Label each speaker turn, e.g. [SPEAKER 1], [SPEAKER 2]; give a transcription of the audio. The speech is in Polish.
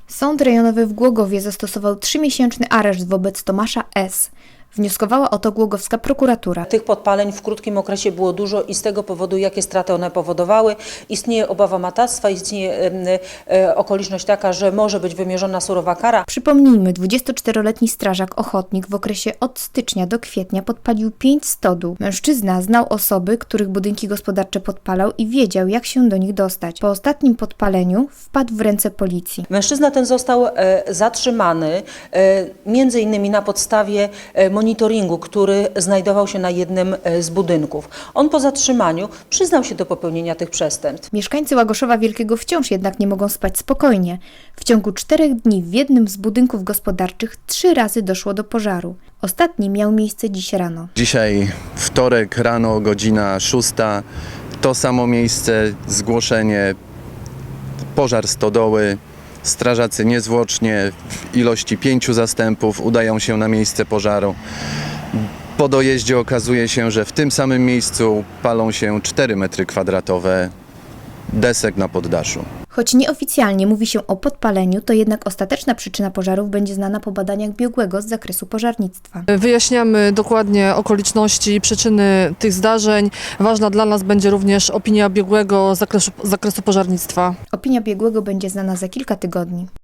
[SPEAKER 1] Sąd rejonowy w Głogowie zastosował 3-miesięczny areszt wobec Tomasza S. Wnioskowała o to głogowska prokuratura.
[SPEAKER 2] Tych podpaleń w krótkim okresie było dużo i z tego powodu, jakie straty one powodowały, istnieje obawa matactwa, istnieje okoliczność taka, że może być wymierzona surowa kara.
[SPEAKER 1] Przypomnijmy, 24-letni strażak ochotnik w okresie od stycznia do kwietnia podpalił 5 stodół. Mężczyzna znał osoby, których budynki gospodarcze podpalał i wiedział, jak się do nich dostać. Po ostatnim podpaleniu wpadł w ręce policji.
[SPEAKER 2] Mężczyzna ten został zatrzymany między innymi na podstawie monitoringu, który znajdował się na jednym z budynków. On po zatrzymaniu przyznał się do popełnienia tych przestępstw.
[SPEAKER 1] Mieszkańcy Łagoszowa Wielkiego wciąż jednak nie mogą spać spokojnie. W ciągu 4 dni w jednym z budynków gospodarczych 3 razy doszło do pożaru. Ostatni miał miejsce dziś rano.
[SPEAKER 3] Dzisiaj wtorek rano, godzina 6. To samo miejsce, zgłoszenie, pożar stodoły. Strażacy niezwłocznie w ilości 5 zastępów udają się na miejsce pożaru. Po dojeździe okazuje się, że w tym samym miejscu palą się 4 metry kwadratowe desek na poddaszu.
[SPEAKER 1] Choć nieoficjalnie mówi się o podpaleniu, to jednak ostateczna przyczyna pożarów będzie znana po badaniach biegłego z zakresu pożarnictwa.
[SPEAKER 4] Wyjaśniamy dokładnie okoliczności i przyczyny tych zdarzeń. Ważna dla nas będzie również opinia biegłego z zakresu pożarnictwa.
[SPEAKER 1] Opinia biegłego będzie znana za kilka tygodni.